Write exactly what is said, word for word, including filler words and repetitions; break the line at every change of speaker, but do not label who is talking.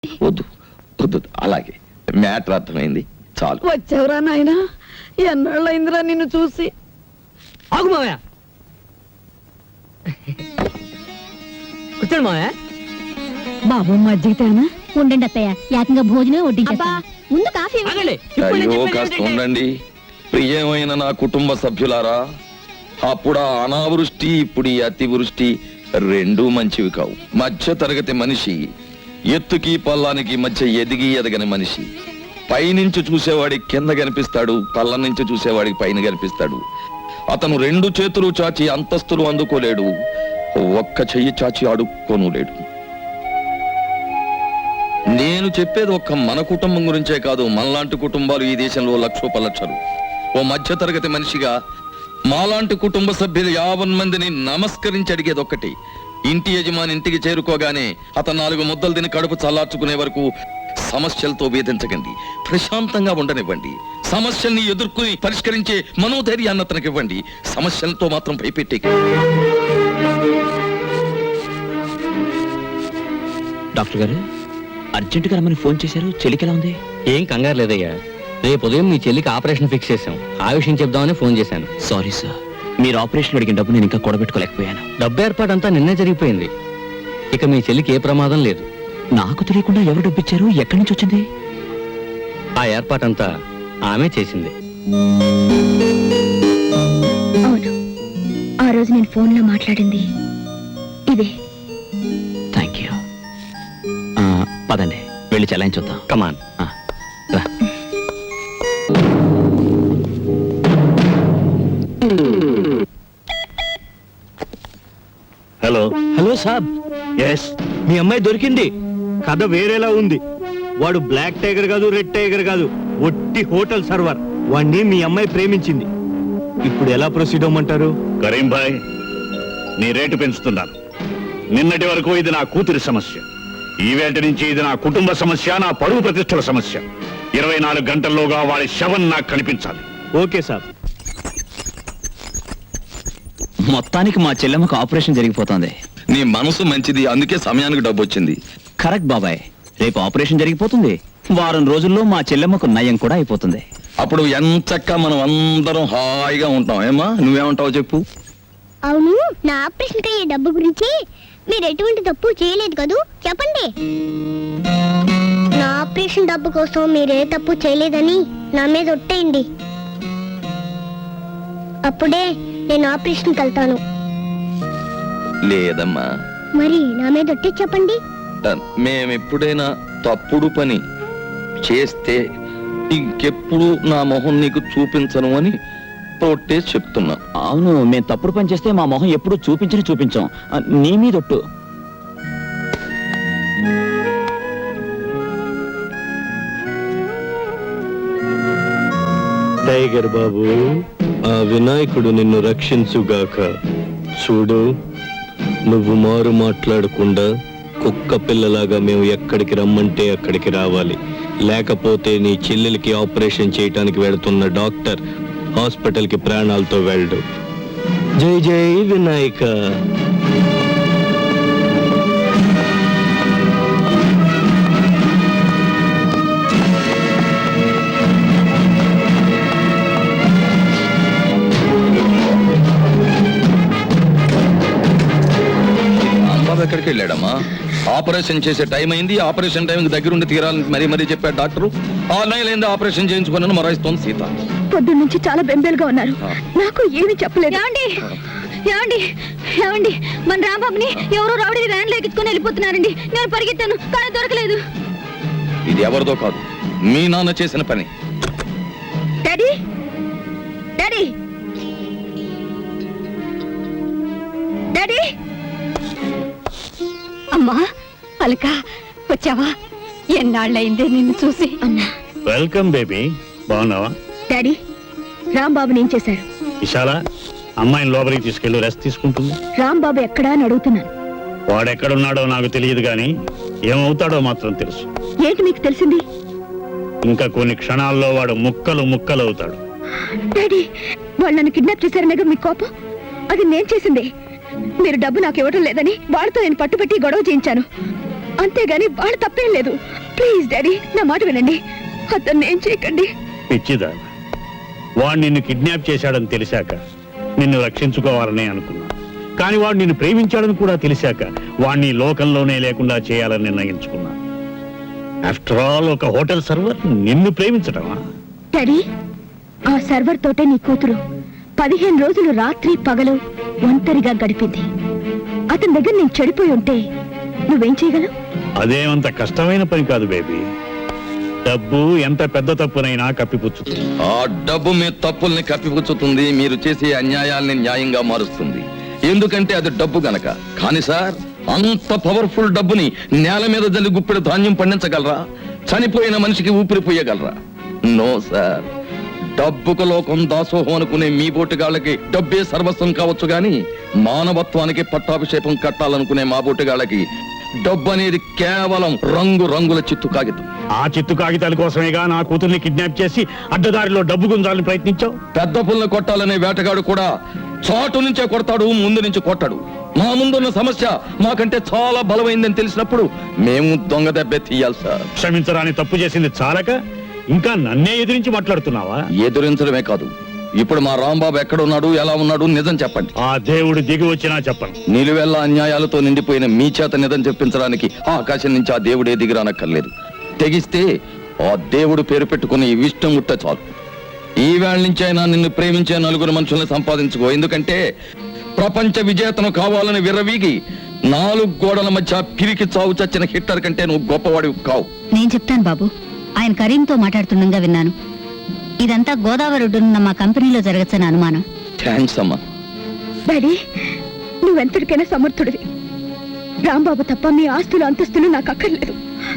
వద్దు వద్దు, అలాగే మ్యాటర్ అర్థమైంది చాలు.
వచ్చావురా నాయనా, ఎన్నాళ్ళైందిరా నిన్ను చూసి.
ఆగు మావయ్య, కూర్చోండి మావయ్య.
బాబు మజ్జిగితేనా?
ఉండండి అత్తయ్య, ఏకంగా భోజనం వడ్డించేస్తా. ముందు కాఫీ
ఆగండి, ఇప్పుడు నేను
అయ్యో
చెప్పేది
కాస్త
ఏంటంటే-
ఉండండి. ప్రియమైన నా కుటుంబ సభ్యులారా, అప్పుడు ఆ అనావృష్టి ఇప్పుడు ఈ అతివృష్టి రెండూ మంచివి కావు. మధ్య తరగతి మనిషి ఎత్తుకి పల్లానికి మధ్య ఎదిగి ఎదగని మనిషి. పైనుంచి చూసేవాడికి కింద కనిపిస్తాడు, పల్ల నుంచి చూసేవాడికి పైన కనిపిస్తాడు. అతను రెండు చేతులు చాచి అంతస్తులు అందుకోలేడు, ఒక్క చెయ్యి చాచి అడుక్కోను లేడు. నేను చెప్పేది ఒక్క మన కుటుంబం గురించే కాదు, మనలాంటి కుటుంబాలు ఈ దేశంలో లక్షోపలక్షలు. ఓ మధ్య తరగతి మనిషిగా మాలాంటి కుటుంబ సభ్యులు యావన్ మందిని నమస్కరించి అడిగేది ఒక్కటి: ఇంటి యజమాని ఇంటికి చేరుకోగానే అతను నాలుగు ముద్దలు తిని కడుపు చల్లార్చుకునే వరకు సమస్యలతో వేధించకండి, ప్రశాంతంగా ఉండనివ్వండి. సమస్యల్ని ఎదుర్కొని పరిష్కరించే మనోధైర్యాన్ని అతనికి ఇవ్వండి, సమస్యలతో మాత్రం భయపెట్టే.
డాక్టర్ గారు అర్జెంటుగా రమ్మని ఫోన్ చేశారు, చెల్లికి ఎలా ఉంది?
ఏం కంగారు లేదయ్యా, రేపు ఉదయం మీ చెల్లికి ఆపరేషన్ ఫిక్స్ చేశాం. ఆ విషయం చెప్దామని ఫోన్ చేశాను.
సారీ సార్, మీరు ఆపరేషన్ అడిగిన డబ్బు నేను ఇంకా కూడబెట్టుకోలేకపోయాను.
డబ్బు ఏర్పాటు అంతా నిన్నే జరిగిపోయింది. ఇక మీ చెల్లికి ఏ ప్రమాదం లేదు.
నాకు తెలియకుండా ఎవరు డబ్బు ఇచ్చారు, ఎక్కడి నుంచి వచ్చింది?
ఆ ఏర్పాటంతా ఆమె చేసింది.
అవును, ఆ రోజు నేను ఫోన్ లో మాట్లాడింది ఇదే.
Thank you. పదండి వెళ్ళి చెలాయించుద్దాం.
కమాన్.
రా.
హలో
హలో సాబ్.
ఎస్, మీ అమ్మాయి దొరికింది. కథ వేరేలా ఉంది. వాడు బ్లాక్ టైగర్ కాదు, రెడ్ టైగర్ కాదు, ఒట్టి హోటల్ సర్వర్. వాణ్ణి మీ అమ్మాయి ప్రేమించింది. ఇప్పుడు ఎలా ప్రొసీడ్ అవ్వమంటారు?
కరీం భాయ్, నీ రేటు పెంచుతున్నాను. నిన్నటి వరకు ఇది నా కూతురి సమస్య, ఈవేళ నుంచి ఇది నా కుటుంబ సమస్య, నా పరువు ప్రతిష్టల సమస్య. ఇరవై నాలుగు గంటల్లోగా వాడి శవం నాకు కనిపించాలి.
ఓకే సాబ్.
మొత్తానికి మా చెల్లెమ్మకు ఆపరేషన్ జరిగిపోతుంది.
నీ మనసు మంచిది, అందుకే సమయానికి డబ్బు వచ్చింది.
కరెక్ట్ బాబాయ్, రేపు ఆపరేషన్ జరిగిపోతుంది. వారం రోజుల్లో మా చెల్లెమ్మకు నయం కూడా అయిపోతుంది.
అప్పుడు ఎంచక్క మనం అందరం హాయిగా ఉంటాం. ఏమా, నువ్వేమంటావు చెప్పు?
అవును, నా ఆపరేషన్ అయ్యే డబ్బు గురించి మీరు ఎటువంటి తప్పు చేయలేదు కదూ, చెప్పండి. నా ఆపరేషన్ డబ్బు కోసం మీరే తప్పు చేయలేదని నా మీద ఒట్టేయండి. అప్పుడే నేను ఆపరేషన్కి వెళ్తాను.
లేదమ్మా,
మరి నా మీద ఒట్టి చెప్పండి.
మేమెప్పుడైనా తప్పుడు పని చేస్తే ఇంకెప్పుడు నా మొహం నీకు చూపించను అని తోటే చెప్తున్నా.
అవును, మేము తప్పుడు పని చేస్తే మా మొహం ఎప్పుడు చూపించని చూపించాం. ఆ, నీ మీదొట్టు.
టైగర్ బాబు, ఆ వినాయకుడు నిన్ను రక్షించుగాక. చూడు, నువ్వు మారు మాట్లాడకుండా కుక్క పిల్లలాగా మేము ఎక్కడికి రమ్మంటే అక్కడికి రావాలి. లేకపోతే నీ చెల్లెలకి ఆపరేషన్ చేయటానికి వెళుతున్న డాక్టర్ హాస్పిటల్ కి ప్రాణాలతో వెళ్ళడు. జై జై వినాయక.
రాంబాబు ఎక్కడికి వెళ్ళాడమ్మా? ఆపరేషన్ చేసే టైం అయింది, ఆపరేషన్ టైం దగ్గరుండి తీరాలని మరీ మరీ చెప్పాడు డాక్టర్. ఆ నెలైంది ఆపరేషన్ చేయించుకున్నాను మరాయిస్తోంది సీత.
పొద్దు నుంచి చాలా బెంబేలుగా ఉన్నారు, నాకు ఏమీ చెప్పలేదు.
ఏమండి ఏమండి ఏమండి మన రాంబాబుని ఎవరో రౌడీ వ్యాన్ ఎక్కించుకొని వెళ్ళిపోతున్నారండి. నేను పరిగెత్తాను కానీ దొరకలేదు.
ఇది ఎవరిదో కాదు, మీ నాన్న చేసిన పని.
డాడీ డాడీ డాడీ
అమ్మా అలక, వచ్చావా? ఎన్నాళ్ళయిందే నిన్ను చూసి.
అన్నా,
వెల్కమ్ బేబీ, బాగున్నావా?
డాడీ, రాంబాబుని ఏం చేశారు?
విశాల, అమ్మాయిని లోపలికి తీసుకెళ్ళి రెస్ట్ తీసుకుంటుంది.
రాంబాబు ఎక్కడా అని అడుగుతున్నాను.
వాడెక్కడున్నాడో నాకు తెలియదు కానీ ఏమవుతాడో మాత్రం తెలుసు.
ఏంటి మీకు తెలిసింది?
ఇంకా కొన్ని క్షణాల్లో వాడు ముక్కలు ముక్కలు అవుతాడు.
డాడీ, వాళ్ళు నన్ను కిడ్నాప్ చేశారనేగా మీ కోపం? అది నేను చేసింది. మీరు డబ్బు నాకు ఇవ్వడం లేదని వాళ్ళతో నేను పట్టుబట్టి గొడవ చేయించాను. అంతేగాని వాళ్ళ తప్పేం లేదు. ప్లీజ్ డాడీ, నా మాట వినండి. అతన్ని ఏం చేయకండి.
పిచ్చిదా, వాడు నిన్ను కిడ్నాప్ చేశాడని తెలిసాక నిన్ను రక్షించుకోవాలని అనుకున్నా. కానీ వాడు నిన్ను ప్రేమించాడని కూడా తెలిసాక వాడిని ఈ లోకంలోనే లేకుండా చేయాలని నిర్ణయించుకున్నా. ఆఫ్టర్ ఆల్ ఒక హోటల్ సర్వర్ నిన్ను ప్రేమించటమా?
డాడీ, ఆ సర్వర్ తోటే నీ కూతురు పదిహేను రోజులు రాత్రి పగలు ఒంటరిగా గడిపింది. అతని దగ్గర నేను చెడిపోయి ఉంటే నువ్వేం చేయగలవు?
అదేమంత కష్టమైన పని కాదు బేబీ. డబ్బు ఎంత పెద్ద తప్పునైనా కప్పిపుచ్చుతుంది.
ఆ డబ్బు మీ తప్పుల్ని కప్పిపుచ్చుతుంది, మీరు చేసే అన్యాయాల్ని న్యాయంగా మారుస్తుంది. ఎందుకంటే అది డబ్బు గనక. కానీ సార్, అంత పవర్ఫుల్ డబ్బుని నేల మీద జల్లి గుప్పెడు ధాన్యం పండించగలరా? చనిపోయిన మనిషికి ఊపిరి పోయగలరా? No sir. డబ్బుకు లోకం దాసోహం అనుకునే మీ బోటుగాళ్ళకి డబ్బే సర్వస్వం కావచ్చు గాని మానవత్వానికి పట్టాభిషేకం కట్టాలనుకునే మా బోటుగాళ్ళకి డబ్బు అనేది కేవలం రంగు రంగుల చిత్తు కాగితం.
ఆ చిత్తు కాగితాల కోసమేగా నా కూతుర్ని కిడ్నాప్ చేసి అడ్డదారిలో డబ్బు గుంజాలని ప్రయత్నించావు.
పెద్ద పుల్ని కొట్టాలనే వేటగాడు కూడా చాటు నుంచే కొడతాడు, ముందు నుంచి కొట్టాడు. మా ముందున్న సమస్య మాకంటే చాలా బలమైందని తెలిసినప్పుడు మేము దొంగ దెబ్బే తీయాలి సార్.
క్షమించరాని తప్పు చేసింది చాలక ఇంకా నన్నే ఎదిరించి మాట్లాడుతున్నావా?
ఎదురించడమే కాదు, ఇప్పుడు మా రాంబాబు ఎక్కడున్నాడు, ఎలా ఉన్నాడు, నిజం చెప్పండి.
ఆ దేవుడు దిగి వచ్చినా చెప్పను.
నిలువెల్ల అన్యాయాలతో నిండిపోయిన మీ చేత నిజం చెప్పించడానికి ఆ ఆకాశం నుంచి ఆ దేవుడే దిగిరానక్కర్లేదు. తెగిస్తే ఆ దేవుడు పేరు పెట్టుకుని ఇష్టం ముట్ట చాలు. ఈ వేళ నుంచి అయినా నిన్ను ప్రేమించే నలుగురు మనుషుల్ని సంపాదించుకో. ఎందుకంటే ప్రపంచ విజేతను కావాలని విర్రవీగి నాలుగు గోడల మధ్య పిరికి చావు చచ్చిన హిట్లర్ కంటే నువ్వు గొప్పవాడివి కావు.
నేను చెప్తాను బాబు. ఆయన కరీంతో మాట్లాడుతుండగా విన్నాను. ఇదంతా గోదావరి ఒడ్డునున్న మా కంపెనీలో జరగచ్చని అనుమానం.
థ్యాంక్స్ అమ్మా.
డాడీ, నువ్వెంతటికైనా సమర్థుడివి. రాంబాబు తప్ప మీ ఆస్తులు అంతస్తులు నాకు అక్కర్లేదు.